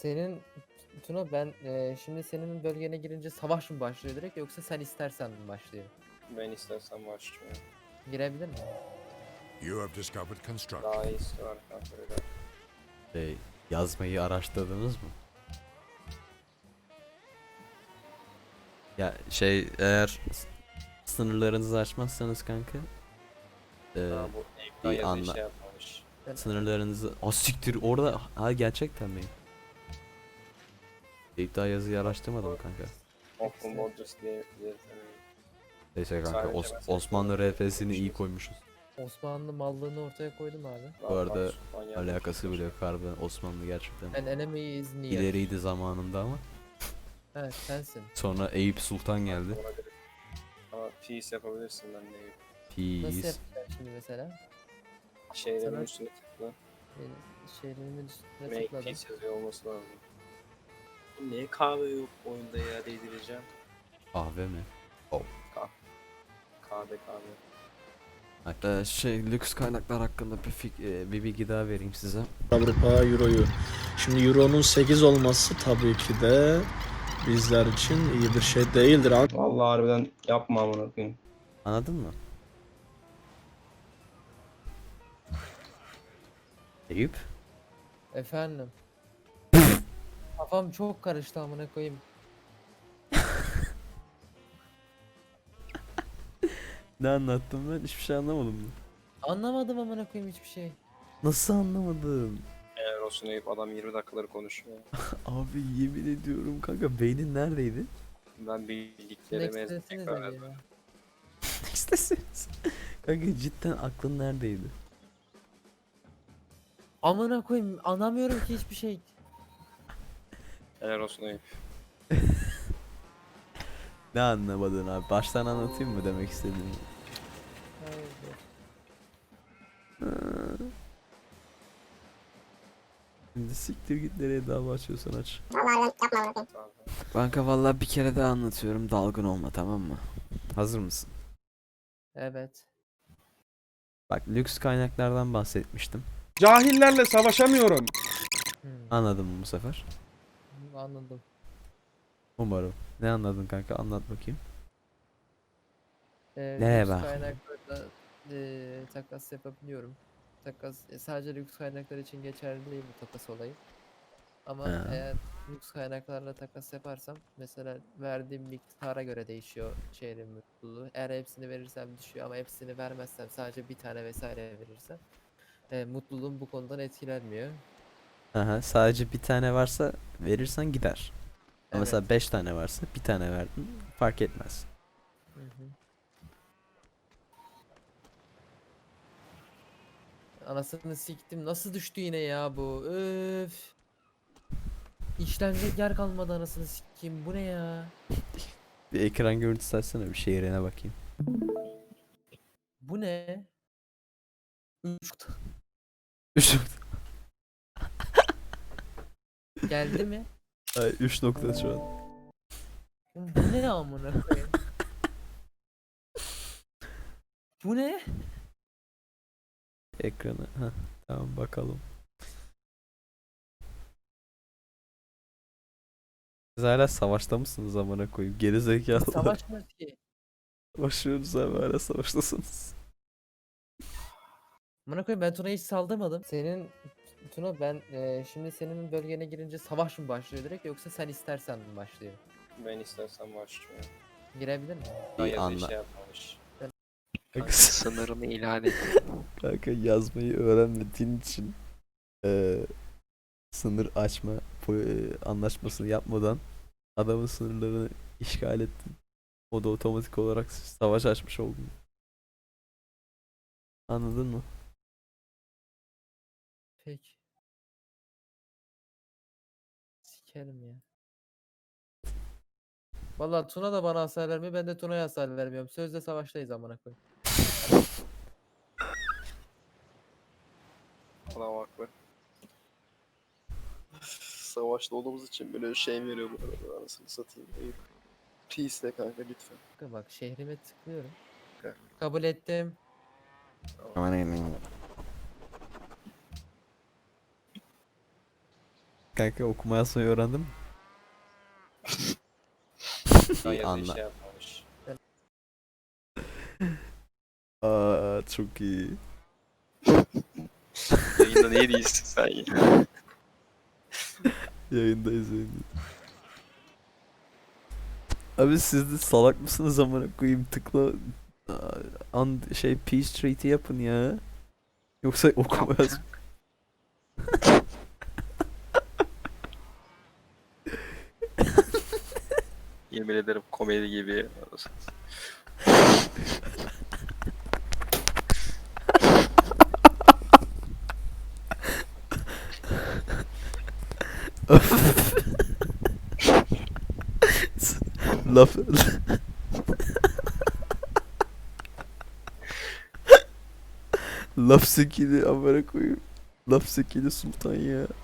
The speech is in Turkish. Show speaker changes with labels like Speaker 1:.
Speaker 1: Senin Tuna ben şimdi senin bölgene girince savaş mı başlıyor direkt yoksa sen istersen mi başlıyor?
Speaker 2: Ben istersen başlıyorum.
Speaker 1: Girebilir mi?
Speaker 3: You have discovered construction.
Speaker 2: Daha iyisi var kanka öyle.
Speaker 4: Yazmayı araştırdınız mı? Ya eğer sınırlarınızı aşmazsanız kanka
Speaker 2: Daha bu ekran
Speaker 4: iyi
Speaker 2: yazı
Speaker 4: anla.
Speaker 2: şey yapmamış.
Speaker 4: Sınırlarınızı siktir orada gerçekten mi? İddia yazıyı araştırmadım kanka.
Speaker 2: Open Borders diye
Speaker 4: Neyse kanka
Speaker 2: Sadece mesela-
Speaker 4: Osmanlı RF'sini iyi koymuşuz.
Speaker 1: Osmanlı mallığını ortaya koydum abi.
Speaker 4: Bu arada alakası bile yok harbiden Osmanlı gerçekten
Speaker 1: And enemy is near.
Speaker 4: ileriydi zamanında ama
Speaker 1: Evet sensin.
Speaker 4: sonra Eyüp Sultan geldi.
Speaker 2: Ama peace yapabilirsin ben de.
Speaker 1: Nasıl
Speaker 4: Peace.
Speaker 1: yapacaksın şimdi mesela?
Speaker 2: Şeylerin
Speaker 1: Sana-
Speaker 2: üstüne tıkla.
Speaker 1: Şeylerimin üstüne
Speaker 2: Make
Speaker 1: tıkladım.
Speaker 2: peace yazıyor olması lazım. Niye kahve yok oyunda ya değdireceğim.
Speaker 4: Kahve mi?
Speaker 2: Kahve.
Speaker 4: Hatta lüks kaynaklar hakkında bir bilgi daha vereyim size.
Speaker 5: Avrupa Euro'yu. Şimdi Euro'nun 8 olması tabii ki de bizler için iyi bir şey değildir.
Speaker 2: Vallahi harbiden yapma amına koyayım.
Speaker 4: Anladın mı? Eyüp?
Speaker 1: Efendim. Kafam çok karıştı amına koyayım.
Speaker 4: Ne anlattım ben? Hiçbir şey anlamadım mı?
Speaker 1: Anlamadım amına koyayım hiçbir şey.
Speaker 4: Nasıl anlamadın?
Speaker 2: Eğer olsun Eyüp adam 20 dakikaları konuşuyor.
Speaker 4: Abi yemin ediyorum kanka beynin neredeydi?
Speaker 2: Ben bildiklerimi
Speaker 1: Next desenize
Speaker 2: tekrar
Speaker 1: bir ya.
Speaker 4: İstesiniz. Kanka cidden aklın neredeydi?
Speaker 1: Amına koyayım anlamıyorum ki hiçbir şey.
Speaker 2: Helal olsun Eyüp.
Speaker 4: Ne anlamadın abi? Baştan anlatayım mı demek istediğimi?
Speaker 1: Hayır.
Speaker 4: Şimdi siktir git nereye dava açıyorsan aç.
Speaker 2: Tamam.
Speaker 4: Kanka vallahi bir kere daha anlatıyorum, dalgın olma, tamam mı? Hazır mısın?
Speaker 1: Evet.
Speaker 4: Bak lüks kaynaklardan bahsetmiştim.
Speaker 5: Cahillerle savaşamıyorum.
Speaker 4: Anladın mı bu sefer?
Speaker 1: Anladım.
Speaker 4: Umarım. Ne anladın kanka? Anlat bakayım.
Speaker 1: Ne
Speaker 4: bak?
Speaker 1: kaynaklarla takas yapabiliyorum. Takas sadece lüks kaynaklar için geçerli değil bu takas olayı. Ama
Speaker 4: Ha.
Speaker 1: eğer lüks kaynaklarla takas yaparsam mesela verdiğim miktara göre değişiyor şehrin mutluluğu. Eğer hepsini verirsem düşüyor ama hepsini vermezsem sadece bir tane vesaire verirsem mutluluğum bu konudan etkilenmiyor.
Speaker 4: Aha, sadece bir tane varsa verirsen gider. Ama
Speaker 1: Evet.
Speaker 4: mesela 5 tane varsa bir tane verdin fark etmez.
Speaker 1: Hı hı. Anasını siktim. Nasıl düştü yine ya bu? Öf. İşlenecek yer kalmadı anasını sikeyim. Bu ne ya?
Speaker 4: Bir ekran görüntüsü açsana bir şehrine bakayım.
Speaker 1: Bu ne? 3 geldi mi?
Speaker 4: 3 nokta şu an.
Speaker 1: Bu ne amına koyayım? Bu ne?
Speaker 4: Ekranı. Heh, tamam bakalım. Siz hala savaşta mısınız amına koyayım? Geri zekalılar.
Speaker 1: Savaşmaz ki.
Speaker 4: Başlıyoruz abi hala savaştasınız.
Speaker 1: Amına koyayım ben Tuna'yı hiç saldırmadım. Tuna ben şimdi senin bölgene girince savaş mı başlıyor direkt yoksa sen istersen mi başlıyor?
Speaker 2: Ben istersen başlıyorum.
Speaker 1: Girebilir mi?
Speaker 2: Daha
Speaker 4: İyi
Speaker 2: yazı
Speaker 4: anla.
Speaker 2: şey yapmamış.
Speaker 4: Kanka,
Speaker 2: Sınırını ilan et.
Speaker 4: kanka yazmayı öğrenmediğin için sınır açma anlaşmasını yapmadan adamın sınırlarını işgal ettin. O da otomatik olarak savaş açmış oldun. Anladın mı?
Speaker 1: Peki. Sikerim ya. Vallahi Tuna da bana hasar vermiyor ben de Tuna'ya hasar vermiyorum. Sözde savaştayız amına koyayım.
Speaker 2: Adam haklı. Savaşta olduğumuz için böyle şey veriyor bu arada anasını satayım. Eyüp. Peace de kanka lütfen.
Speaker 1: Kanka bak şehrime tıklıyorum.
Speaker 2: Okey.
Speaker 1: Kabul ettim.
Speaker 4: Kanka okuma yazmayı öğrendin mi?
Speaker 6: Şu an yazıyı
Speaker 4: Anla.
Speaker 6: şey yapmamış.
Speaker 4: Aa çok iyi.
Speaker 2: Yayında niye değilsin sen ya?
Speaker 4: Yayındayız yayındayız. Abi siz de salak mısınız amına koyayım, tıkla şey peace treaty yapın ya. Yoksa okuma yaz.
Speaker 2: Yemin ederim komedi gibi.
Speaker 4: Laf laf sekili amına koyayım. Laf sekili sultan ya.